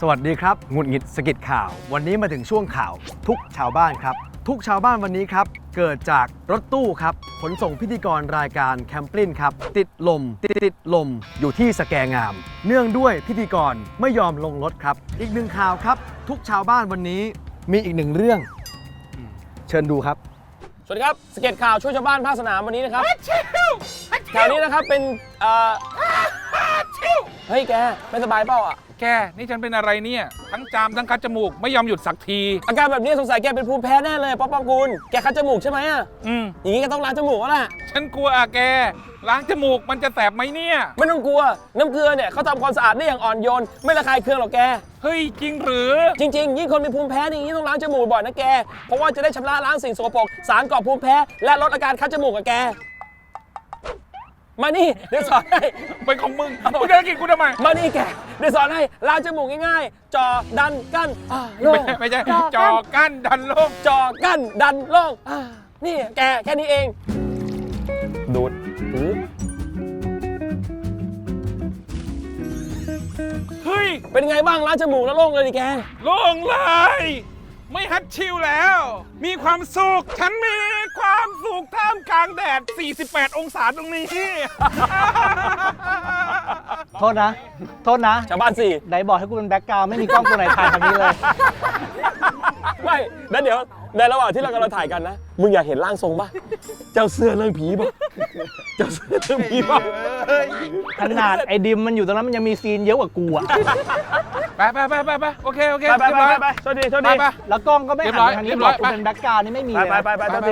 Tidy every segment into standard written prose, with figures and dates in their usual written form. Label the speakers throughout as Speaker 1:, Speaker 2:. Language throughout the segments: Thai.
Speaker 1: สวัสดีครับหงุดหงิดสะกิดข่าววันนี้มาถึงช่วงข่าวทุกชาวบ้านครับทุกชาวบ้านวันนี้ครับเกิดจากรถตู้ครับขนส่งพิธีกรรายการแคมปลินครับติดลมอยู่ที่สแกงามเนื่องด้วยพิธีกรไม่ยอมลงรถครับอีกหนึ่งข่าวครับทุกชาวบ้านวันนี้มีอีกหนึ่งเรื่องเชิญดูครับ
Speaker 2: สวัสดีครับสเก็ตข่าวช่วยชาวบ้านภาคสนามวันนี้นะครับข่าวนี้นะครับเป็นเฮ้ยแกไม่สบายเปล่าอ่ะ
Speaker 3: แกนี่ฉันเป็นอะไรเนี่ยทั้งจามทั้งคัดจมูกไม่ยอมหยุดสักที
Speaker 2: อาการแบบนี้สงสัยแกเป็นภูมิแพ้แน่เลยป๊อปคุณแกคัดจมูกใช่ไหมอ่ะอย่างนี้ก็ต้องล้างจมูกแล้วล่ะ
Speaker 3: ฉันกลัวแกล้างจมูกมันจะแสบไหมเนี่ย
Speaker 2: ไม่ต้องกลัวน้ำเกลือเนี่ยเขาทำความสะอาดได้อย่างอ่อนโยนไม่ระคายเคืองหรอกแก
Speaker 3: เฮ้ยจริงหรือ
Speaker 2: จริงๆยิ่งคนมีภูมิแพ้อย่างนี้ต้องล้างจมูกบ่อยนะแกเพราะว่าจะได้ชำระล้างสิ่งสกปรกสารก่อภูมิแพ้และลดอาการคัดจมูกกับแกมานี่เดี๋ยวสอนให้
Speaker 3: เป็นของมึงมึงจะกินกูทำไม
Speaker 2: มานี่แกเดี๋ยวสอนให้ล้างจมูกง่ายๆจ่อดันกั้นโล่ง
Speaker 3: ไม่ใช่จ่อกั้นดันโล่ง
Speaker 2: จ่อกั้นดันโล่งนี่แกแค่นี้เองดูด
Speaker 3: เฮ้ย
Speaker 2: เป็นไงบ้างล้างจมูกแล้วโล่งเลยดิแก
Speaker 3: โล่งเลยไม่ฮัดชิวแล้วมีความสุขฉันมีความสุขท่ามกลางแดด48องศาตรงนี้
Speaker 1: โทษนะ
Speaker 2: ชาวบ้านสี่
Speaker 1: ไหนบอกให้กูเป็นแบ็คกราวด์ไม่มีกล้องตัวไหนถ่ายทางนี้เลย
Speaker 2: ไม่แล้วเดี๋ยวในระหว่างที่เรากำลังถ่ายกันนะมึงอยากเห็นร่างทรงป่ะเจ้าเสื้อเรื่องผีป่ะเจ้าเสื้อเรื่องผีป่ะ
Speaker 1: ขนาดไอ้ดิมมันอยู่ตรงนั้นมันยังมีซีนเยอะกว่ากูอะ
Speaker 3: ไปโอเค
Speaker 2: ไปโทษดี
Speaker 1: แล้วกล้องก็ไม่หันทางนี้บอกกูเป็นแบ็คกราวด์นี่ไม่มีเลย
Speaker 2: ไป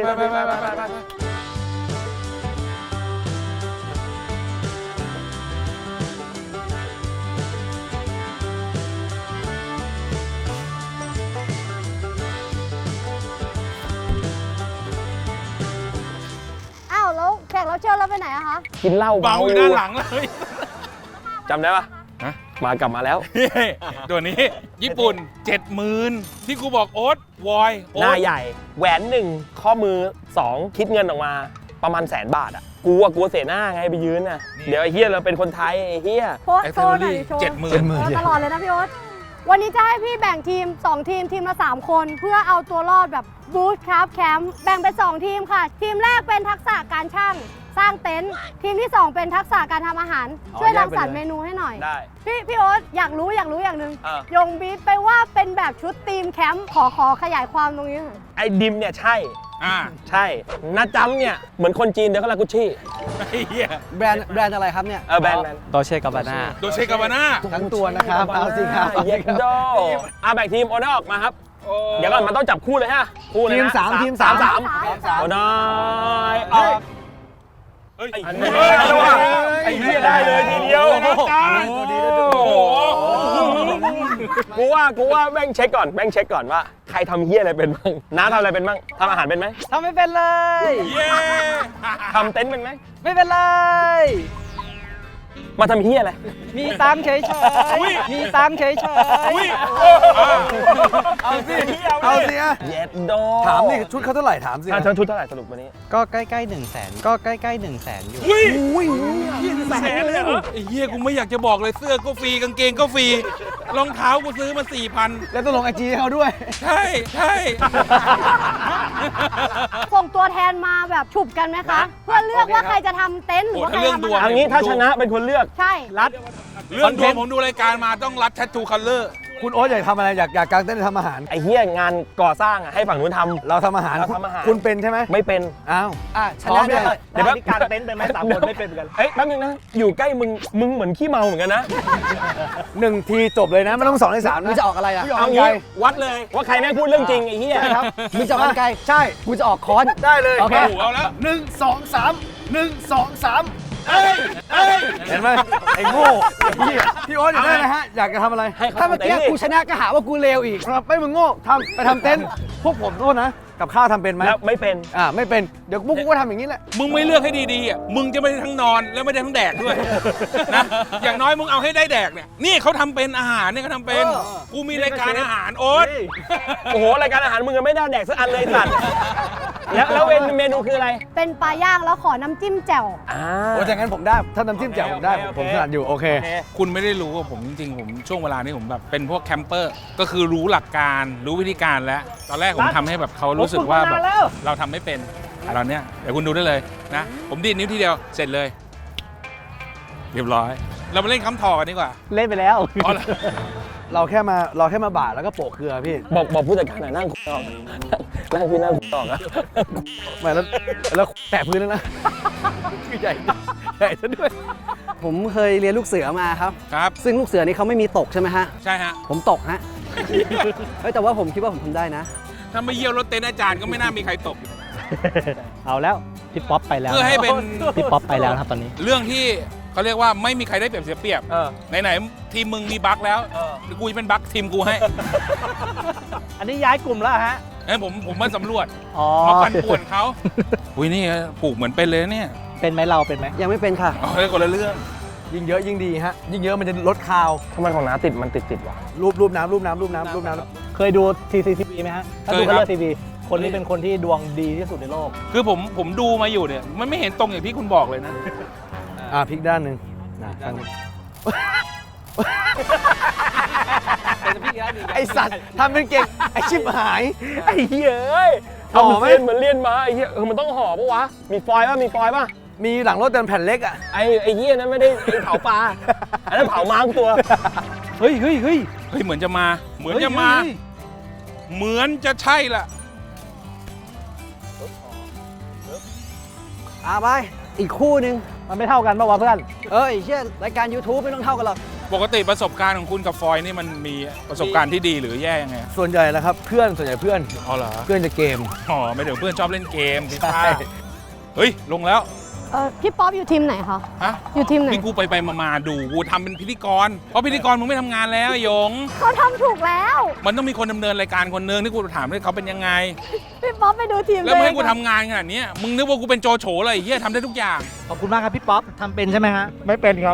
Speaker 4: แล้วแขกรับเชิญเราไปไหนอะคะ
Speaker 2: กินเหล้า
Speaker 3: เบาอยู่ด้านหลังเลย
Speaker 2: จำได้ปะกลับมาแล้ว
Speaker 3: ตัวนี้ญี่ปุ่น 70,000ที่กูบอกโอ๊ตวอย
Speaker 2: หน้าใหญ่แหวน1ข้อมือ2คิดเงินออกมาประมาณ100,000 บาทอ่ะกลัวเสียหน้าไงไปยืนน่ะเดี๋ยวไอ้เฮียเราเป็นคนไทยไอ้เฮีย
Speaker 4: โชว์หน่อย70,000ตลอดเลยนะพี่โอ๊ตวันนี้จะให้พี่แบ่งทีม2 ทีมละ3 คนเพื่อเอาตัวรอดแบบบูธครับแคมป์แบ่งเป็น2 ทีมค่ะทีมแรกเป็นทักษะการช่างสร้างเต็นท์ทีมที่2เป็นทักษะการทำอาหารช่วยรังสรรค์เมนูให้หน่อย
Speaker 2: ได้
Speaker 4: พี่โอ๊ตอยากรู้อย่างหนึ่งยงบีบไปว่าเป็นแบบชุดทีมแคมป์ขอขยายความตรงนี้หน่อย
Speaker 2: ไอ้ดิมเนี่ยใช่ใช่นาจัมเนี่ยเหมือนคนจีนเดี๋ยวก็ลากุชี่
Speaker 1: แบรนด์อะไรครับเนี่ย
Speaker 2: แบรนด์
Speaker 1: โดเช่กาบาน่าทั้งตัวนะครับเอาสิครับ
Speaker 2: เย็ดโดแบ่งทีมโอเนอร์ออกมาครับเดี๋ยวก่อนมันต้องจับคู่เลยฮะคู่เลยนะ
Speaker 1: ทีม3
Speaker 2: โอเนอร์ออกไอ้เหี้ยได้เลยทีเดียวกูว่าแม่งเช็คก่อนว่าใครทำเหี้ยอะไรเป็นบ้างน้าทำอะไรเป็นบ้างทำอาหารเป็นไหม
Speaker 1: ทำไม่เป็นเลย
Speaker 2: ทำเต็นท์เป็นไหม
Speaker 1: ไม่เป็นเลย
Speaker 2: มาทำเหี้ยอะไร
Speaker 1: มีตังเฉยเอาสิ
Speaker 2: เย็ดโด
Speaker 1: ถามนี่ชุดเขาเท่าไหร่ถามสิ
Speaker 2: ชุดเท่าไหร่สรุปวันนี้
Speaker 1: ก็ใกล้ๆ100,000ก็ใกล้ๆ100,000อยู่
Speaker 3: 100,000เลยเหรอไอ้เหี้ยกูไม่อยากจะบอกเลยเสื้อก็ฟรีกางเกงก็ฟรีรองเท้ากูซื้อมา 4,000
Speaker 1: แล้วต้องลงIG เขาด้วย
Speaker 3: ใช่
Speaker 4: ส่งตัวแทนมาแบบฉุบกันไหมคะเพื่อเลือกว่าใครจะทำเต็นท์หรือว่าใครจะทำ
Speaker 2: อันนี้ถ้าชนะเป็นคนเลือก
Speaker 4: ใช่
Speaker 3: รัดเรื่องดวงผมดูรายการมาต้องรัดแทททูคัลเลอร์
Speaker 1: คุณโอ๊ตอยากทำอะไรอยากกางเต็นท์ทำอาหาร
Speaker 2: ไอ้เหี้ยงานก่อสร้างอ่ะให้ฝั่งนู้นทำ
Speaker 1: เราทำอาหารคุณเป็นใช่ไหม
Speaker 2: ไม่เป็น
Speaker 1: อ้าว
Speaker 2: ชนะได้เดี๋ยวกางเต็นท์เป็นไหม3 คนไม่เป็นกันเอ้ยแป๊บนึงนะอยู่ใกล้มึงเหมือนขี้เมาเหมือนกันนะ
Speaker 1: 1 ทีจบเลยนะไม่ต้อง2 ใน 3นะ
Speaker 2: มึงจะออกอะไรอ่ะเอางี้วัดเลยว่าใครแม่งพูดเรื่องจริงไอ้เหี้ย
Speaker 1: ครับมึงจะออกกันไกลใช่กูจะออกค้อนได้เลยโอเคเอาแล้ว1 2 3เห็นไหมไอ้โง่พี่โอ๊ตอยากได้อะไรฮะอยากจะทำอะไรถ้าเมื่อกี้กูชนะก็หาว่ากูเลวอีกครับไม่มึงโง่ไปทำเต็นท์พวกผมโทษนะกับข้าวทำเป็นไหม
Speaker 2: ไม่เป็น
Speaker 1: ไม่เป็นเดี๋ยวพวกกูก็ทำอย่างนี้แหละ
Speaker 3: มึงไม่เลือกให้ดีๆอ่ะมึงจะไม่ได้ทั้งนอนแล้วไม่ได้ทั้งแดกด้วยนะอย่างน้อยมึงเอาให้ได้แดกเนี่ยนี่เขาทำเป็นอาหารเนี่ยเขาทำเป็นกูมีรายการอาหารโอ๊ต
Speaker 2: โอ้โหรายการอาหารมึงยังไม่ได้แดกสักอันเลยสัตว์แล้วเมนูคืออะไร
Speaker 4: เป็นปลาย่างแล้วขอน้ำจิ้มแจ่ว
Speaker 1: โอ้ยอย่างนั้นผมได้ ถ้าน้ำจิ้มแจ่วผมได้
Speaker 2: โอเค
Speaker 1: ผมถนัดอยู่ โอเค
Speaker 3: คุณไม่ได้รู้ว่าผมจริงๆผมช่วงเวลานี้ผมแบบเป็นพวกแคมเปอร์ก็คือรู้หลักการรู้วิธีการแล้วตอนแรกผมทำให้แบบเขารู้สึกว่าแบบเราทำไม่เป็นตอนเนี้ยเดี๋ยวคุณดูได้เลยนะผมดีดนิ้วทีเดียวเสร็จเลยเรียบร้อย เรามาเล่นคำถอกันดีกว่า
Speaker 5: เล่นไปแล้ว
Speaker 3: อ๋อเหรอ
Speaker 1: เราแค่มาบาดแล้วก็โปะเกลือพี่
Speaker 2: บอกผู้จัดการหน่อยนั่งคุยออกนั่งพี่นั่งคุยออกอะ
Speaker 1: ไม่แล้วแตะพื้นแล้วนะ คือใหญ่ซะด้วย
Speaker 5: ผมเคยเรียนลูกเสือมาครับ
Speaker 3: ครับ
Speaker 5: ซึ่งลูกเสือนี่เขาไม่มีตกใช่ไหมฮะ
Speaker 3: ใช่ฮะ
Speaker 5: ผมตกฮะ เฮ้ยแต่ว่าผมคิดว่าผมทำได้นะ
Speaker 3: ถ้าไม่เยี่ยวรถเต็นท์อาจารย์ก็ไม่น่ามีใครตก
Speaker 6: เอาแล้วพี่ป๊อปไปแล้ว
Speaker 3: เพื่อให้เป็น
Speaker 6: พี่ป๊อปไปแล้วนะครับตอนนี้
Speaker 3: เรื่องที่เขาเรียกว่าไม่มีใครได้เปรียบเสียเปรียบ ไหนๆทีมมึงมีบั๊กแล้วกูจะเป็นบั๊กทีมกูให้
Speaker 6: อันนี้ย้ายกลุ่มแล้วฮะ
Speaker 3: ผมมาสำรวจ
Speaker 6: อ๋อ
Speaker 3: มาปั่นป่วนเขาอุ้ยนี่ปลูกเหมือนเป็นเลยเนี่ย
Speaker 6: เป็นไหมเราเป็นไหม
Speaker 5: ยังไม่เป็นค่ะ
Speaker 3: เอาเลยคนละเรื่อง
Speaker 1: ยิ่งเยอะยิ่งดีฮะ ยิ่งเยอะมันจะลดคาว
Speaker 2: ทำไมของน้าติดวะ
Speaker 1: รูปน้ำ
Speaker 6: เคยดู TCTV ไหมฮะ ถ้าดู
Speaker 3: เคยครับ
Speaker 6: Color TV คนนี้เป็นคนที่ดวงดีที่สุดในโลก
Speaker 3: คือผมดูมาอยู่เนี่ยมันไม่เห็นตรงอย่างที่คุณบอกเลยนะ
Speaker 1: พลิกด้านหนึ่งข้างนี้ไอสัตว์ทำเป็นเก่ง ไอชิบหาย
Speaker 2: ไอ้เหี้ยเอ้ย
Speaker 1: ห่อไหม
Speaker 2: เหมือนเลียนมาไอ้เหี้ยมันต้องห่อปะวะมีฟอยล์ป่ะ
Speaker 1: มีหลังรถเดินแผ่นเล็กอ่ะ
Speaker 2: ไอ้เหี้ยนั้นไม่ได้เผาปลาอันนั้นเผาม้าตัว
Speaker 3: เฮ้ยเหมือนจะมา เหมือนจะมา เหมือนจะใช่ละ
Speaker 5: ไป อีกคู่หนึ่ง
Speaker 6: มันไม่เท่ากันป่าวะเพื่อน
Speaker 5: เอ้ยเชี่ยรายการ YouTube ไม่ต้องเท่ากันหรอก
Speaker 3: ปกติประสบการณ์ของคุณกับฟอยนี่มันมีประสบการณ์ที่ดีหรือแย่ยังไง
Speaker 1: ส่วนใหญ่แล้วครับ ส่วนใหญ่เพื่อน
Speaker 3: อ๋อเหรอ
Speaker 1: เพื่อนจะเกม
Speaker 3: อ๋อไม่เดี๋ยวเพื่อนชอบเล่นเกม
Speaker 1: ใช่
Speaker 3: เฮ้ยลงแล้ว
Speaker 4: พี่ป๊อปอยู่ทีมไหนคะ
Speaker 3: ฮะ
Speaker 4: อยู่ทีมไหน
Speaker 3: นี่กูไปมาดูกูทำเป็นพิธีกรเพราะพิธีกรมึงไม่ทำงานแล้วไอ้หยง
Speaker 4: เขาทำถูกแล้ว
Speaker 3: มันต้องมีคนดำเนินรายการคนนึงที่กูถามด้วยเขาเป็นยังไง
Speaker 4: พี่ป๊อปไปดูทีม
Speaker 3: แล้วมึงให้กู
Speaker 4: ตัวเอง
Speaker 3: ทำงานขนาดเนี้ยมึงนึกว่ากูเป็นโจโฉเลยไอ้เฮียทำได้ทุกอย่าง
Speaker 6: ขอบคุณมากครับพี่ป๊อปทำเป็นใช่ไหมฮะ
Speaker 5: ไม่เป็นครับ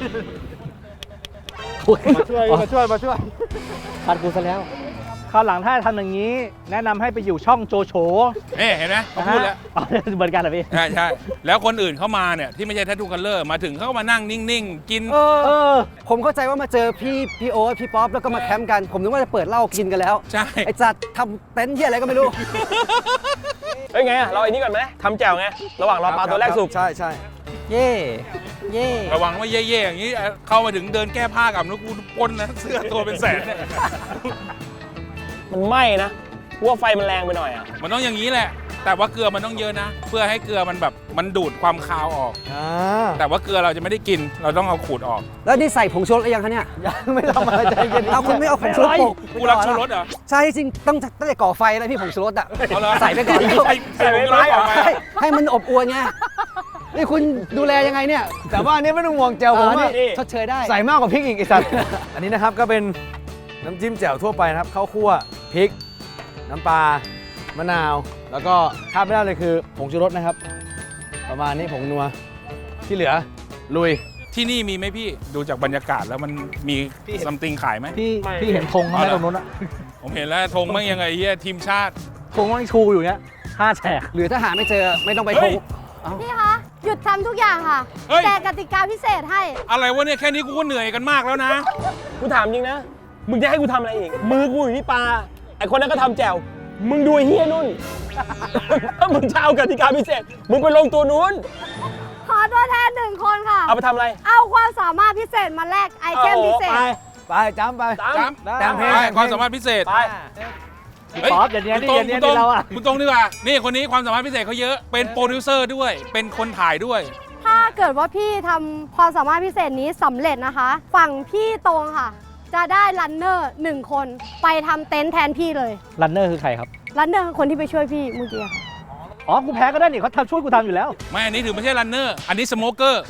Speaker 6: มาช่วยปัดกูซะแล้วคราวหลังถ้าทำอย่างนี้ แนะนำให้ไปอยู่ช่องโจโฉ
Speaker 3: นี่เห็นไหมเขาพูดแล้ว
Speaker 6: อ๋อเหมือนกันเหรอพี่
Speaker 3: ใช่แล้วคนอื่นเข้ามาเนี่ยที่ไม่ใช่แททูคัลเลอร์มาถึงเขาก็มานั่งนิ่งๆ กิน
Speaker 5: ผมเข้าใจว่ามาเจอพี่โอ๊ตพี่ป๊อปแล้วก็มาแคมป์กัน ผมนึกว่าจะเปิดเหล้ากินกันแล้ว
Speaker 3: ใช่
Speaker 5: ไอ้จัดทำเต็นท์ที่อะไรก็ไม่รู้
Speaker 2: เฮ้ยไงอะเราไอ้นี่ก่อนไหมทำแจ่วไงระหว่างรอปลาตัวแรกสุก
Speaker 1: ใช่
Speaker 5: เย่เย่
Speaker 3: ระวังว่าเย่ๆอย่างนี้เข้ามาถึงเดินแก้ผ้ากับแล้วกูปล้นนะเสื้อตัวเป็นแสนเนี่ย
Speaker 2: มันไหม้นะกูว่าไฟมันแรงไปหน่อยอ่ะ
Speaker 3: มันต้องอย่างนี้แหละ แต่ว่าเกลือมันต้องเยอะนะ เพื่อให้เกลือมันแบบมันดูดความคาวออก แต่ว่าเกลือเราจะไม่ได้กินเราต้องเอาขูดออก
Speaker 5: แล้วนี่ใส่ผงชูรสหรือยังคะเนี่ย
Speaker 1: ยังไม่ทำอะไรใจเย็น
Speaker 5: เอาคุณไม่เอาผงชูรสโปะ
Speaker 3: กูรักชูรสเหรอ
Speaker 5: ใช่จริงตั้งแต่ก่อไฟแล้วพี่ผงชูรสอ่ะ
Speaker 3: เอาเหรอ
Speaker 5: ใส่ไปก่อนแล้ว
Speaker 3: ใส่ผงชูรสก่อนไป
Speaker 5: ให้มันอบอวนไงนี่คุณดูแลยังไงเนี่ย
Speaker 1: แต่ว่าอันนี้ไม่ต้องห่วงแจวผม
Speaker 5: นี่
Speaker 1: อะ
Speaker 5: ชดเชยได้
Speaker 1: ใส่มากกว่าพริกอีกไอ้สัตว์ อันนี้นะครับก็เป็นน้ำจิ้มแจ่วทั่วไปนะครับข้าวคั่วพริก น้ำปลามะนาว แล้วก็ขาดไม่ได้เลยคือผงชูรสนะครับ ประมาณนี้ผงนัวที่เหลือลุย
Speaker 3: ที่นี่มีไหมพี่ดูจากบรรยากาศแล้วมันมีซัมติงขายไหม
Speaker 6: พี่เห็นธงเขาไหมตรงนู้นอะ
Speaker 3: ผมเห็นแล้วธงมั่งยังไงเฮียทีมชาติ
Speaker 6: ธงมันชูอยู่เนี้ย5แฉก
Speaker 5: หรือถ้าหาไม่เจอไม่ต้องไป
Speaker 3: เฮ้
Speaker 5: โทร
Speaker 3: ย
Speaker 4: พี่คะ หยุดทำทุกอย่างค่ะ
Speaker 3: เฮ้ย
Speaker 4: แต่กติกาพิเศษให้
Speaker 3: อะไรวะเนี่ยแค่นี้กูก็เหนื่อยกันมากแล้วนะ
Speaker 2: กูถามจริงนะ มึงจะให้กูทำอะไรอีก มือกูอยู่ที่ปลา ไอคนนั้นก็ทำแจ่ว มึงดูไอ้เฮียนุ่น ถ้ามึงจะเอากติกาพิเศษ มึงไปลงตัวนู้น
Speaker 4: ขอตัวแทนหนึ่งคนค่ะ
Speaker 2: เอาไปทำอะไร
Speaker 4: เอาความสามารถพิเศษมาแลกไอเทมพิเศษ
Speaker 1: ไปจ้ำไป
Speaker 3: จ้ำ
Speaker 1: แต่งเพลง
Speaker 3: ไปความสามารถพิเศษ
Speaker 2: ไป
Speaker 3: เฮ้ย
Speaker 6: ป๊อปอย่างเนี้ย
Speaker 3: คุณ
Speaker 6: นี่
Speaker 3: ตรง
Speaker 6: อย่างเนี้ย
Speaker 3: คุณตรง
Speaker 6: นี่เราอะ
Speaker 3: คุณตรงดีกว่า นี่คนนี้ความสามารถพิเศษเขาเยอะ เป็นโปรดิวเซอร์ด้วย เป็นคนถ่ายด้วย
Speaker 4: ถ้าเกิดว่าพี่ทำความสามารถพิเศษนี้สำเร็จนะคะ ฝั่งพี่ตรงค่ะ จะได้รันเนอร์1 คนไปทำเต็นท์แทนพี่เลย
Speaker 6: รันเนอร์คือใครครับ
Speaker 4: รันเนอร์คือคนที่ไปช่วยพี่เมื่อกี้ค่ะ
Speaker 6: อ๋อ กูแพ้ก็ได้นี่เขาทำช่วยกูทำอยู่แล้ว
Speaker 3: ไม่อันนี้ถือไม่ใช่รันเนอร์ อันนี้สโมเกอร์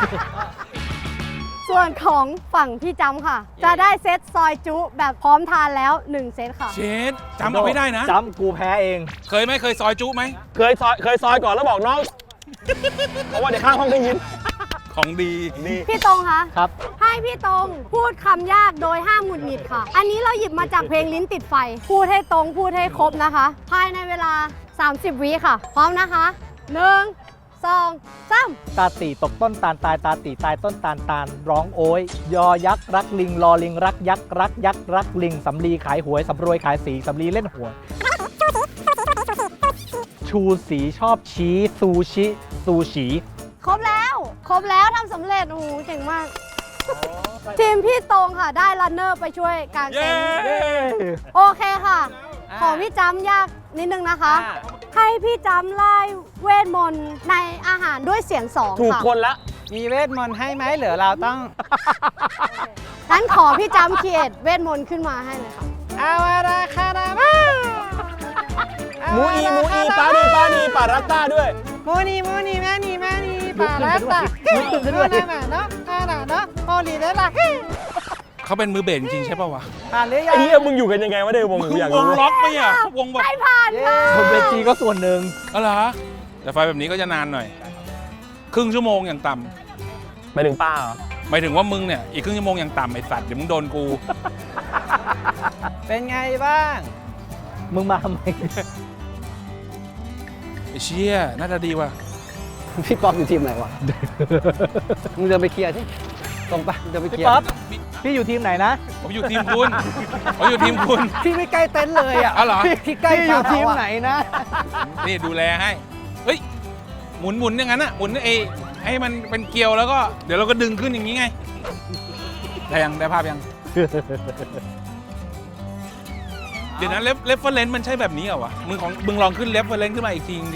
Speaker 4: ส่วนของฝั่งพี่จำค่ะ จะได้เซตซอยจุแบบพร้อมทานแล้ว 1 เซตค่ะ
Speaker 3: เชดจำเอาไม่ได้นะ
Speaker 6: จำกูแพ้เอง
Speaker 3: เคยไหมเคยซอยจุไหม
Speaker 2: เคยซอยก่อนแล้วบอกน้อง เพราะว่าเดี๋ยวข้างห้องได้ยิน
Speaker 3: ของดี
Speaker 4: พี่ตรงคะ
Speaker 6: ครับ
Speaker 4: ให้พี่ตรงพูดคำยากโดยห้ามหงุดหงิดค่ะ อันนี้เราหยิบมาจากเพลงลิ้นติดไฟ พูดให้ตรงพูดให้ครบนะคะ ภายในเวลา 30 วิค่ะ พร้อมนะคะ 1 2 3
Speaker 6: ตาตีตกต้นตาลตายตาตีตายต้นตาลตาลร้องโอยยอยักษ์รักลิงรอลิงรักยักษ์รักยักษ์รักลิงสำลีขายหวยสำรวยขายสีสำลีเล่นหวยชูสีชอบชี้ซูชิซูชิ
Speaker 4: ครบแล้วทำสำเร็จ โอ้โหเก่งมาก ทีมพี่ตรงค่ะ ได้รันเนอร์ไปช่วยกางเต็นท์โอเคค่ะ ของพี่จำยากนิดนึงนะคะ ให้พี่จำไล่เวทมนต์ในอาหารด้วยเสียงสอง
Speaker 2: ถูก
Speaker 4: ค่ะ
Speaker 2: คนละ
Speaker 5: มีเวทมนต์ให้ไหมเหลือเราต้อง
Speaker 4: งั้นขอพี่จำเคียดเวทมนต์ขึ้นมาให้เลยค่ะ
Speaker 5: อาวาราคารามา
Speaker 2: มูอีปาดีปารัตตาด้วย
Speaker 5: มูนีแม่นีปา
Speaker 6: ลุกขึ้นไปด้วย
Speaker 5: เนาะเนาะโอลีได้ละ
Speaker 3: เขาเป็นมือเบสจริงๆใช่ป่าวะ
Speaker 5: ผ่านหรือยั
Speaker 2: ไอ้
Speaker 5: ง
Speaker 2: เหี้ยมึงอยู่กันยังไงวะเดี๋ยววงกูอยาก
Speaker 3: วง
Speaker 2: รู้
Speaker 3: ล็อกไหมอ่ะวงแบบ
Speaker 4: ไม่ผ่านค่ะ
Speaker 6: คนเวทีก็ส่วนหนึ่ง
Speaker 3: อะไรอแต่ไฟแบบนี้ก็จะนานหน่อย ครึ่งชั่วโมงอย่างต่
Speaker 2: หมายถึงป้าเหรอ
Speaker 3: ำหมายถึงว่ามึงเนี่ยอีกครึ่งชั่วโมงอย่างต่ำไอ้สัตว์เดี๋ยวมึงโดนกู
Speaker 5: เป็นไงบ้าง
Speaker 6: มึงมาทำไม
Speaker 3: ไอ้เชี่ยน่าจะดีว่ะ
Speaker 5: พี่ป๊อปอยู่ทีมไหนวะ มึงเดินไปเคลียร์ที่ตรงไปเดินไปเคลียร์
Speaker 6: ป๊อป พี่อยู่ทีมไหนนะ
Speaker 3: ผมอยู่ทีมคุณผมอยู่ทีมคุณ
Speaker 5: พี่ไม่ใกล้เต็นท์เลยอ่ะ
Speaker 3: อ๋อเหรอ
Speaker 5: พี่ใกล้
Speaker 1: พี่อยู่ทีมไหนนะ
Speaker 3: นี่ดูแลให้ เฮ้ย หมุนอย่างนั้นอ่ะ หมุนให้มันเป็นเกลียวแล้วก็ เดี๋ยวเราก็ดึงขึ้นอย่างนี้ไง ได้ภาพยัง เดี๋ยวนั้นเรฟเฟอร์เรนซ์มันใช่แบบนี้เหรอวะ มึงลองขึ้นเรฟเฟอร์เรนซ์ขึ้นมาอีกทีดิ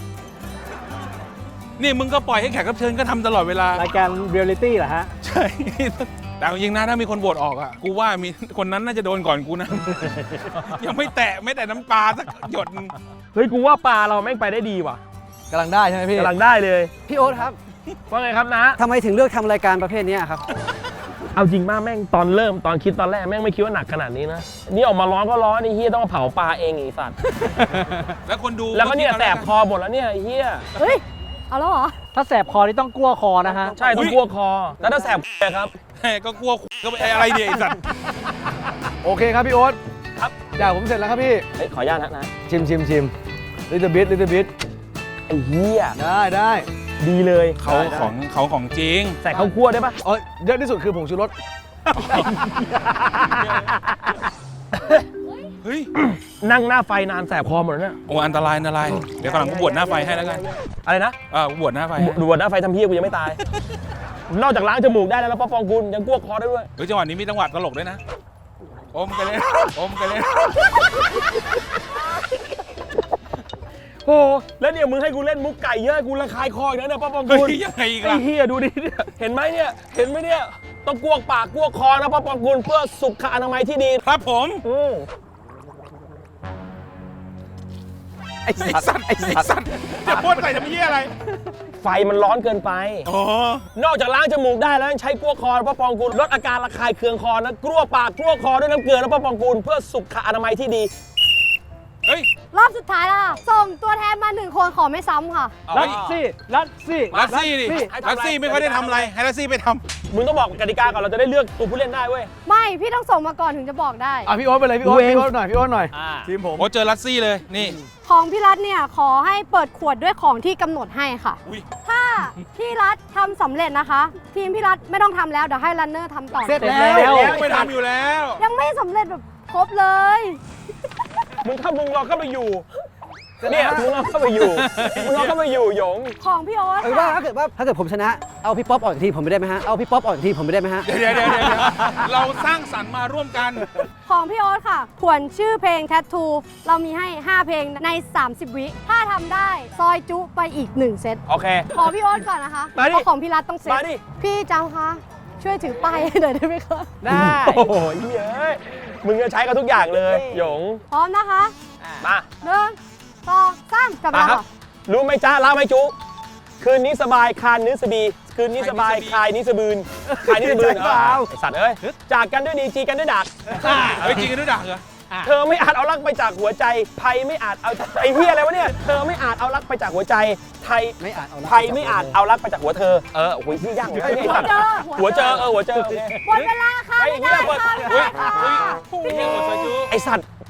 Speaker 3: นี่มึงก็ปล่อยให้แขกรับเชิญก็ทำตลอดเวลา
Speaker 6: รายการเรียลลิตี้เหรอฮะ
Speaker 3: ใช่ แต่จริงๆนะถ้ามีคนโหวตออกอ่ะ กูว่ามีคนนั้นน่าจะโดนก่อนกูนะ ยังไม่แตะน้ำปลาสักหยดนึง
Speaker 2: เฮ้ยกูว่าปลาเราแม่งไปได้ดีว่ะ
Speaker 1: กำลังได้ใช่ไหมพี่
Speaker 2: กำลังได้เลย
Speaker 5: พี่โอ๊ตครับ
Speaker 2: ว่าไงครับนะ
Speaker 5: ทำไมถึงเลือกทำรายการประเภทนี้ครับ
Speaker 2: เอาจริงมากแม่งตอนคิดตอนแรกแม่งไม่คิดว่าหนักขนาดนี้นะ นี่ออกมาร้อนก็ร้อนไอ้เฮียต้องมาเผาปลาเองไอ้สัตว์
Speaker 3: แล้วคนดู
Speaker 2: แล้วก็เนี่ยแสบคอหมดแล้วเนี่ยไอ้เฮีย
Speaker 4: เฮ้ย เอาแล้วเหรอ
Speaker 6: ถ้าแสบคอนี่ต้องกลัวคอนะฮะ
Speaker 2: ใช่ต้องกลัวคอ แล้วถ้าแสบครับ
Speaker 3: แหมก็กลัวก็ไปอะไรเนี่ยไอ้สัตว์
Speaker 1: โอเคครับพี่โอ๊ต
Speaker 2: ครับ
Speaker 1: อยากผมเสร็จแล้วครับพี่
Speaker 2: เฮ้ยขออนุญาตนะ
Speaker 1: ชิมลิตเติ้ลบิท
Speaker 2: ไอ้เฮีย
Speaker 1: ได้
Speaker 2: ดีเลย
Speaker 3: เขาของจริง
Speaker 2: ใส่ข้าวคั่วได้ปะ
Speaker 1: เยอะที่สุดคือผงชูรส
Speaker 3: เฮ้ย
Speaker 2: นั่งหน้าไฟนานแสบคอหมดแล้วเนี่ย
Speaker 3: โอ้อันตราย เดี๋ยวกำลังกูบวชหน้าไฟให้แล้วกัน
Speaker 2: อะไรนะ
Speaker 3: กูบวชหน้าไฟให้
Speaker 2: ดูหน้าไฟทำเฮียกูยังไม่ตาย นอกจากล้างจมูกได้แล้วป้าปองกุลยังกลัวคอได้ด้วย
Speaker 3: เฮ้ยจังหวะนี้มีจังหวะตลกด้วยนะ อมกันเลย
Speaker 2: โอ้แล้วเนี่ยมึงให้กูเล่นมุกไก่เยอะกูระคายคออีกแล้วเนี่ยป้าปอง
Speaker 3: เฮ้
Speaker 2: กุล
Speaker 3: ยยังไงอีก
Speaker 2: ไอ้
Speaker 3: ล่ะ
Speaker 2: เฮียดูดิเนี่ยเห็นไหมเนี่ยต้องกวกปากกวกคอนะป้าปองกุลเพื่อสุขอนามัยที่ดี
Speaker 3: ครับผม
Speaker 1: ไอ้สัตว์
Speaker 3: จะพ่นใส่ทำเหี้ยอะไร
Speaker 2: ไฟมันร้อนเกินไป
Speaker 3: อ๋อ
Speaker 2: นอกจากล้างจมูกได้แล้วยังใช้กลัวคอป้าปองกุลลดอาการระคายเคืองคอนะกลัวปากกลัวคอด้วยน้ำเกลือนะป้าปองกุลเพื่อสุขอนามัยที่ดี
Speaker 3: เฮ้ย
Speaker 4: รอบสุดท้ายแล้วค่ะ ส่งตัวแทนมา1 คนขอไม่ซ้ำค่ะ
Speaker 6: ลัดซี่
Speaker 3: ลัสซี่ดิ
Speaker 2: ให้ทำอะไร
Speaker 3: ลัสซี่ไม่ค่อยได้ทำอะไร ให้ลัสซี่ไปท
Speaker 2: มึงต้องบอกกติกาก่อนเราจะได้เลือกตัวผู้เล่นได้เว้ย
Speaker 4: ไม่ พี่ต้องส่งมาก่อนถึงจะบอกได้
Speaker 1: พี่โอ๊ตไปเลยพี่โอ๊ต
Speaker 2: เว้ง
Speaker 1: พี่โอ๊ตหน่อยทีมผม
Speaker 3: ำโอ้เจอลัสซี่เลย นี่
Speaker 4: ของพี่รัฐเนี่ยขอให้เปิดขวดด้วยของที่กำหนดให้ค่ะ
Speaker 3: อุ๊ย
Speaker 4: ถ้าพี่รัฐทำสำเร็จนะคะ ทีมพี่รัฐไม่ต้องทำแล้วเดี๋ยวให้รันเนอร์ทำต่อ
Speaker 1: เสร็จ
Speaker 6: แล้
Speaker 1: แล้ว
Speaker 3: ไม่ทำอยู่แล้ว
Speaker 4: ยังไม่สำเร็จแบบครบเลย
Speaker 2: มึงลองเข้าไปอยู่เนี่ยมึงลองเข้าไปอยู่หยง
Speaker 4: ของพี่โอ๊ต
Speaker 5: ว่า
Speaker 4: ค่ะ
Speaker 5: ถ้าเกิดผมชนะ เอาพี่ป๊อปออกจากทีมผมไม่ได้ไหมฮะ เอาพี่ป๊อปออกจากทีมผมไม่ได้ไหมฮะ
Speaker 3: เดี๋ยวเราสร้างสรรค์มาร่วมกัน
Speaker 4: ของพี่โอ๊ตค่ะผวนชื่อเพลง Tattoo เรามีให้ 5 เพลงใน 30 วิ ถ้าทำได้ซอยจุไปอีก 1 เซต
Speaker 2: โอเค
Speaker 4: ขอพี่โอ๊ตก่อนนะคะ
Speaker 2: มาดิ
Speaker 4: เพราะของพี่รัฐต้องเซต
Speaker 2: มาดิ
Speaker 4: พี่เจ้าคะช่วยถือป้ายให้หน่อยได้ไหมคะ
Speaker 5: ได้
Speaker 2: โอ้โหเฮ้ยมึงจะใช้กันทุกอย่างเลยหยง
Speaker 4: พร้อมนะคะ
Speaker 2: มา
Speaker 4: 1 2 3จับเว
Speaker 2: มา
Speaker 4: ลา
Speaker 2: ครับ
Speaker 4: ค่ะ
Speaker 2: รู้ไหมจ้าเล่าไหมจุคืนนี้สบายคานนื้อสบีคืนนี้สบายคายนี้สบืนคายนี้สบืนไอสัตว์เอ้ยจากกันด้วยดีจีกันด้วยดัก
Speaker 3: เฮ้ยจริงกันด้วยดักเหรอ
Speaker 2: เธอไม่อาจเอารักไปจากหัวใจภัยไม่อาจเอาไอ้เหี้ยอะไรวะเนี่ยเธอไม่อาจเอารักไปจากหัวใจไทย
Speaker 5: ไม่อาจเอาละ
Speaker 2: ไทยไม่อาจเอารักไปจากหัวเธอโอ้โหที่ยากเลยไอ้สัตว์หัวเจอโอเค
Speaker 4: หมดเวลาค่ะ
Speaker 2: ไอ้
Speaker 4: ไม่
Speaker 2: เหี้
Speaker 4: ได้
Speaker 2: ย
Speaker 4: ค่ะไม่
Speaker 3: เฮ้ย
Speaker 4: ได้ค่ะ
Speaker 3: เฮ้ยโอ้โหซอยจู
Speaker 2: ไอสัตว์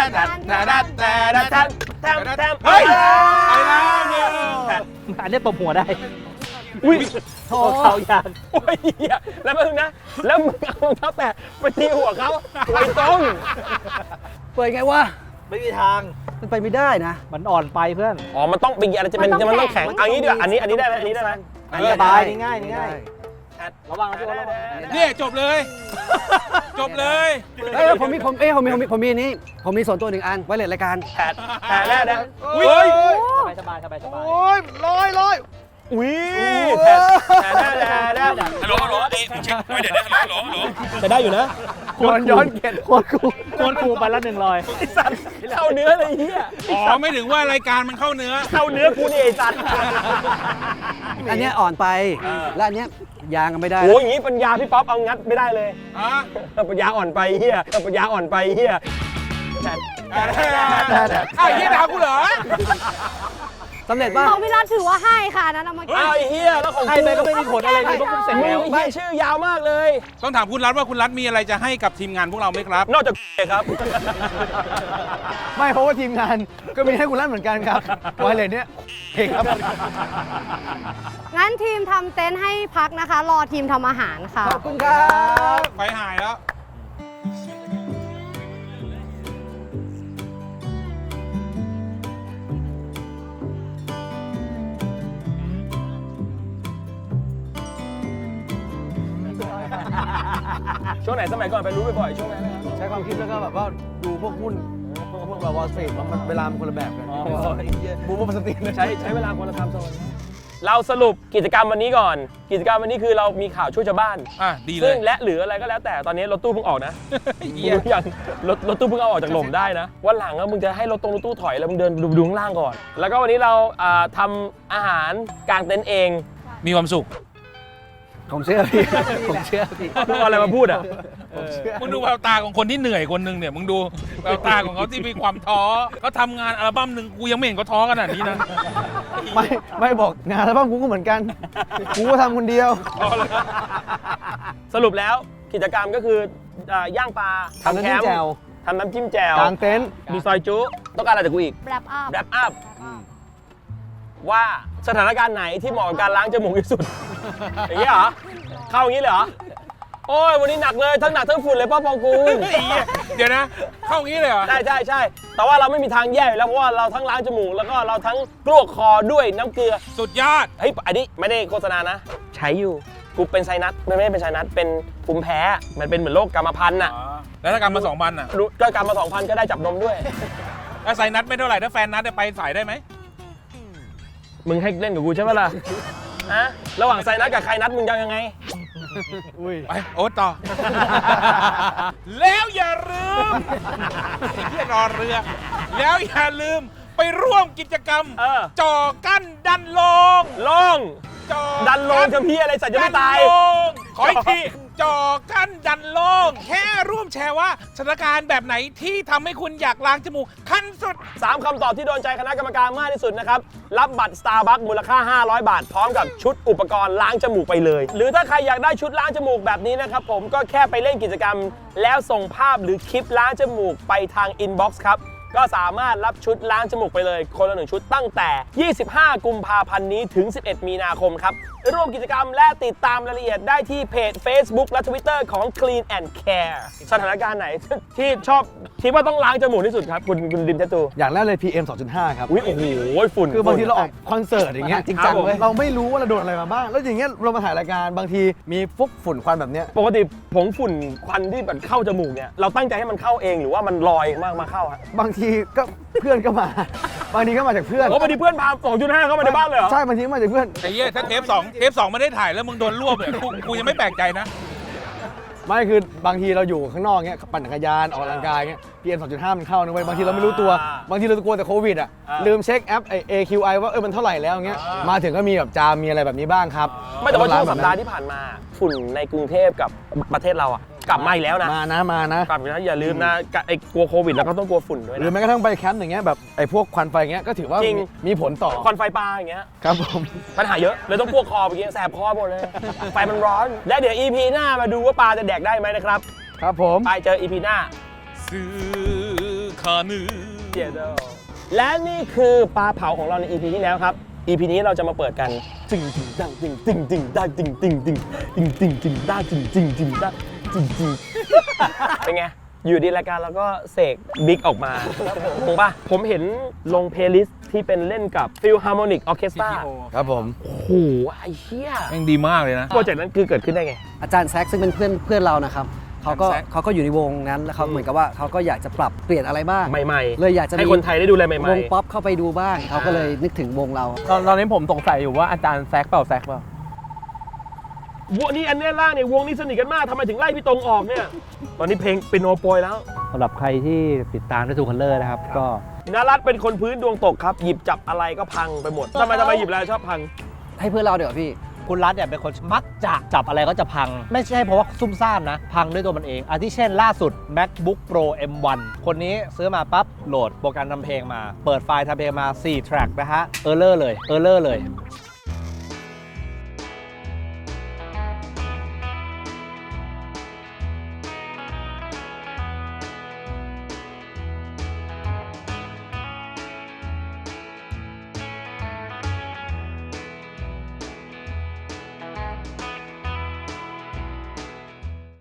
Speaker 2: เฮ้ย
Speaker 3: ไปแล้วเนี่ย
Speaker 6: อันนี้ตบหัวได้
Speaker 2: อุ้ย
Speaker 6: โอ้เขายาง
Speaker 2: โอ้ยเหี้ยแล้วมึงนะ แล้วมึงเอารองเท้าแตะไปตีหัวเขาไอ้ต้ง
Speaker 5: เปิดไงวะ
Speaker 6: ไม่มีทาง
Speaker 5: มันไปไม่ได้นะ
Speaker 6: มันอ่อนไปเพื่อน
Speaker 2: อ๋อ มันต้องเป็นอะไรจะเป็นมันต้องแข็งเอางี้ดีกว่าอันนี้ได้ไหมอันนี้ได้ไหม
Speaker 6: อันนี้สบายนี่ง่ายนี่ง่ายระวังนะพี่โอ๊ตระวัง
Speaker 3: เนี่ยจบเลย จบเลย
Speaker 5: เอ้ยผมมีอันนี้ ผมมีส่วนตัวหนึ่งอันไว้เลยรายการ
Speaker 2: แผลแน่นะ
Speaker 3: อุ้ย
Speaker 6: สบายสบาย
Speaker 1: โอ้ยร้อย
Speaker 2: อุ้ยแผลแน่แน่
Speaker 3: ฮัลโหลฮัลโหลเอ๊ะเช็คไม่เดี๋ยวนะฮัลโหลฮัลโหล
Speaker 2: จะได้อยู่นะ
Speaker 1: ควรย้อนเกียรติ
Speaker 6: โคตรครูไปละ100
Speaker 2: ไอ้สัตว์เข้าเนื้อเลยเฮีย
Speaker 3: อ๋อไม่ถึงว่ารายการมันเข้าเนื้อ
Speaker 2: เข้าเนื้อกูนี่ไอ้สัตว์
Speaker 5: อันเนี้ยอ่อนไป และอันเนี้ยยางก็ไม่ได้
Speaker 2: โอ้ยอย่างงี้ปัญญาพี่ป๊อปเอางัดไม่ได้เลย
Speaker 3: อ่ะ
Speaker 2: ปัญญาอ่อนไปเฮียปัญญาอ่อนไปเฮีย
Speaker 3: อ้าวยี่ด่ากูเหรอ
Speaker 5: สำเร็จป่ะ
Speaker 4: ของพี่รัฐถือว่าให้ค่ะอันนั้นเอามา
Speaker 2: อ้าวไอ้เฮียแล้วของ
Speaker 6: ให้ไปก็ไม่มีผลอะไรเลยพวกมึงเสร็จ
Speaker 2: มึ
Speaker 6: แล้ว
Speaker 2: งเฮียชื่อยาวมากเลย
Speaker 3: ต้องถามคุณรัฐว่าคุณรัฐมีอะไรจะให้กับทีมงานพวกเราไหมครับ
Speaker 2: นอกจากครับ
Speaker 1: ไม่เพราะว่าทีมงานก็มีให้คุณรัฐเหมือนกันครับไวเลสเนี่ยเองครับ
Speaker 4: งั้นทีมทำเต็นท์ให้พักนะคะ รอทีมทำอาหารค่ะ
Speaker 5: ขอบคุณครับ
Speaker 3: ไฟหายแล้ว
Speaker 2: ช่วงไหนสมัยก่อนไปรู้บ่อยๆช่วงนั้นนะครับ
Speaker 1: ใช้ความคิดแล้วก็แบบว่าดูพวกหุ้นพวกแบบวอลสตรีทมันเวลามันคนละแบบกันบูมมันสตรีท
Speaker 2: ใช้เวลาคนละทำโซนเราสรุปกิจกรรมวันนี้ก่อน กิจกรรมวันนี้คือเรามีข่าวช่วยชาวบ้าน
Speaker 3: อ่ะดีเล
Speaker 2: ซึ่
Speaker 3: ย
Speaker 2: งและหรืออะไรก็แล้วแต่ตอนนี้รถตู้เพิ่งออกนะ
Speaker 3: เหี้ย
Speaker 2: รู้ยังรถตู้เพิ่งเอาออกจากหล่มได้นะวันหลังอะมึงจะให้รถตู้ถอยแล้วมึงเดินดูข้างล่างก่อน แล้วก็วันนี้เราทำอาหารกางเต็นท์เอง
Speaker 3: มีความสุข
Speaker 5: ผมเชื่อพี่ ผมเชื่อพี่
Speaker 2: มึงเอาอะไรมาพูดอ่ะ
Speaker 3: มึงดูแววตาของคนที่เหนื่อยคนหนึ่งเนี่ยมึงดูแววตาของเขาที่มีความท้อเขาทำงานอัลบั้มหนึ่งกูยังไม่เห็นเขาท้อขนาดนี้นะ
Speaker 1: ไม่บอกงานแล้วบ้างกูก็เหมือนกันกูก็ทำคนเดียว
Speaker 2: สรุปแล้วกิจกรรมก็คือย่างปลา
Speaker 1: ทำน้ำจิ้มแจ่ว
Speaker 2: ทำน้ำจิ้มแจ่ว
Speaker 1: กางเต็นท์
Speaker 2: ดูซอยจุต้องการอะไรจากกูอีก
Speaker 4: wrap up
Speaker 2: แรปอัพว่าสถานการณ์ไหนที่เหมาะกับการล้างจมูกที่สุด อย่างนี้เหรอ เข้าอย่างนี้เลยเหรอ โอ้ยวันนี้หนักเลยทั้งหนักทั้งฝุ่นเลยป้าปองกูล
Speaker 3: เดี๋ยวนะ เข้างี้เลยเหรอ
Speaker 2: ใช่แต่ว่าเราไม่มีทางแย่อยู่แล้วเพราะว่าเราทั้งล้างจมูกแล้วก็เราทั้งกลวกคอด้วยน้ำเกลือ
Speaker 3: สุดยอด
Speaker 2: เฮ้ยอันนี้ไม่ได้โฆษณานะ ใช้อยู่กูเป็นไซนัสไม่ได้เป็นไซนัสเป็นภูมิแพ้มันเป็นเหมือนโรคกรรมพันธุ์น่ะ
Speaker 3: แล้วถ้ากรรมมา2,000อ่ะ
Speaker 2: รู้ก็กรรมมา 2,000 ก็ได้จับนมด้วย
Speaker 3: ถ้าไซนัดไม่เท่าไหร่ถ้าแฟนนัดจะไปสายได้ไหม
Speaker 2: มึงให้เล่นกับกูใช่ไหมล่ะฮะระหว่างไซนัสกับใครนัดมึงจะเอายังไง
Speaker 3: ไปโอ๊ตต่อ แล้วอย่าลืมไอ้เหี้ยรอเรือ แล้วอย่าลืมไปร่วมกิจกรรม จอกั้นดันลง
Speaker 2: ลง
Speaker 3: จอ
Speaker 2: ดันลงจะพี่อะไรสัตว์จะไม่ตาย
Speaker 3: ดันลงขออีกทีจอกั้นดันลงแค่ร่วมแชร์ว่าสถานการณ์แบบไหนที่ทำให้คุณอยากล้างจมูกขั้นสุด
Speaker 2: 3 คำตอบที่โดนใจคณะกรรมการมากที่สุดนะครับ รับบัตร Starbucks มูลค่า 500 บาท พร้อมกับชุดอุปกรณ์ล้างจมูกไปเลย หรือถ้าใครอยากได้ชุดล้างจมูกแบบนี้นะครับผมก็แค่ไปเล่นกิจกรรม แล้วส่งภาพหรือคลิปล้างจมูกไปทาง inbox ครับ ก็สามารถรับชุดล้างจมูกไปเลย คนละ1ชุดตั้งแต่ 25 กุมภาพันธ์นี้ถึง 11 มีนาคมครับ ร่วมกิจกรรมและติดตามรายละเอียดได้ที่เพจ Facebook และ Twitter ของ Clean and Care สถานการณ์ไหนที่ชอบคิดว่าต้องล้างจมูกที่สุดครับ คุณดิมเทตู
Speaker 1: อย่างแรกเลย PM 2.5 ครับ
Speaker 2: อุ้ยโอ้โหฝุ่น
Speaker 1: คือบางทีเราออกคอนเสิร์ตอย่างเงี้ย
Speaker 5: จริงจังเว้ย
Speaker 1: เราไม่รู้ว่าเราโดนอะไรมาบ้าง แล้วอย่างเงี้ยเรามาถ่ายรายการบางทีมีฟุกฝุ่นควันแบบเนี้ย
Speaker 2: ปกติผงฝุ่นควันที่แบบเข้าจมูกเนี่ยเราตั้งใจให้มันเข้าเองหรือว่ามันลอยมาเข้าฮะ
Speaker 1: บางทีก็เพื่อนก็มา บางทีก็มาจากเพื่อน
Speaker 2: โอ้พอดีเพื่อนพา 2.5 เข้ามาในบ้านเลยเหรอ
Speaker 1: ใช่บางทีก็มาจากเพื่อน
Speaker 3: ไอ้เหี้ยถ้าเทป 2ไม่ได้ถ่ายแล้วมึงโดนรวบเนี่ยกูยังไม่แปลกใจนะ
Speaker 1: ไม่คือบางทีเราอยู่ข้างนอกเงี้ยปั่นจักรยานออกกำลังกายเงี้ย PM 2.5 มันเข้านะเว้ยบางทีเราไม่รู้ตัวบางทีเรากลัวแต่โควิดอ่ะลืมเช็คแอปไอ้ AQI ว่ามันเท่าไหร่แล้วเงี้ยมาถึงก็มีแบบจามมีอะไรแบบนี้บ้างครับ
Speaker 2: ไม่แต่ว่าช่วงสัปดาห์ที่ผ่านมาฝุ่นในกรุงเทพกับประเทศเราอะกลับมาอีกแล้วนะ
Speaker 1: มานะ
Speaker 2: กลับมาอย่าลืมนะไอ้กลัวโควิดแล้วก็ต้องกลัวฝุ่นด้วย
Speaker 1: หรือ
Speaker 2: นะ
Speaker 1: แม้กระทั่งไปแคมป์อย่างเงี้ยแบบไอ้พวกควันไฟเงี้ยก็ถือว่า
Speaker 2: จริง
Speaker 1: มีผลต่อ
Speaker 2: ควันไฟปลาอย่างเงี้ย
Speaker 1: ครับผม
Speaker 2: ปัญหาเยอะเลยต้องพวกคอไปเงี้ยแสบคอหมดเลย ไฟมันร้อน และเดี๋ยว EP หน้ามาดูว่าปลาจะแดกได้ไหมนะครับ
Speaker 1: ครับผม
Speaker 2: ไปเจอ EP หน้า
Speaker 3: ซื้อคานือ
Speaker 2: เดี๋ยวและนี่คือปลาเผาของเราใน EP ที่แล้วครับ EP นี้เราจะมาเปิดกันจึงจึงดังจึงจึงจึงได้จึงจึงจึงจึงจึงจึงได้จึงจึงจึงได้จึงจึงเป็นไง อยู่ดีรายการเราก็เสกบิ๊กออกมาถูกป่ะ ผมเห็นลงเพลย์ลิสต์ที่เป็นเล่นกับ Philharmonic Orchestra
Speaker 1: ครับผม
Speaker 2: โอ้โหไอ้เหี้ย
Speaker 3: แม่งดีมากเลยนะ
Speaker 2: โปรเจกต์นั้นคือเกิดขึ้นได้ไง
Speaker 5: อาจารย์แซกซึ่งเป็นเพื่อนเรานะครับเขาก็
Speaker 3: แซค
Speaker 5: เขาก็อยู่ในวงนั้นแล้วเขาเหมือนกับว่าเขาก็อยากจะปรับเปลี่ยนอะไรบ้าง
Speaker 2: ใหม่ๆ
Speaker 5: เลยอยากจะ
Speaker 2: ให้
Speaker 5: มี
Speaker 2: คนไทยได้ดูอะไรใหม่
Speaker 5: วงป๊อปเข้าไปดูบ้างเขาก็เลยนึกถึงวงเรา
Speaker 6: ตอนนี้ผมสงสัยอยู่ว่าอาจารย์แซกเปล่าแซกเปล่า
Speaker 2: ๆวงนี้อันเนี้ยล่างเนี่ยวงนี้สนิทกันมากทำไมถึงไล่พี่ตรงออกเนี่ย ตอนนี้เพลงเป็นโนโปรยแล้ว
Speaker 6: สำหรับใครที่ติดตามด้วยทูคัลเลอร์นะครับ ก็
Speaker 2: นรัตน์เป็นคนพื้นดวงตกครับ หยิบจับอะไรก็พังไปหมดทำไมหยิบอะไรชอบพัง
Speaker 5: ให้เพื่อนเราเดี๋ยวาพี่
Speaker 6: คุณรัฐเนี่ยเป็นคนมักจะจับอะไรก็จะพัง ไม่ใช่เพราะว่าซุ่มซ่ามนะ พังด้วยตัวมันเองอาทิเช่นล่าสุด MacBook Pro M1 คนนี้ซื้อมาปั๊บโหลดโปรแกรมทำเพลงมา เปิดไฟล์ทำเพลงมา4 แทร็กนะฮะเออร์เลอร์เลย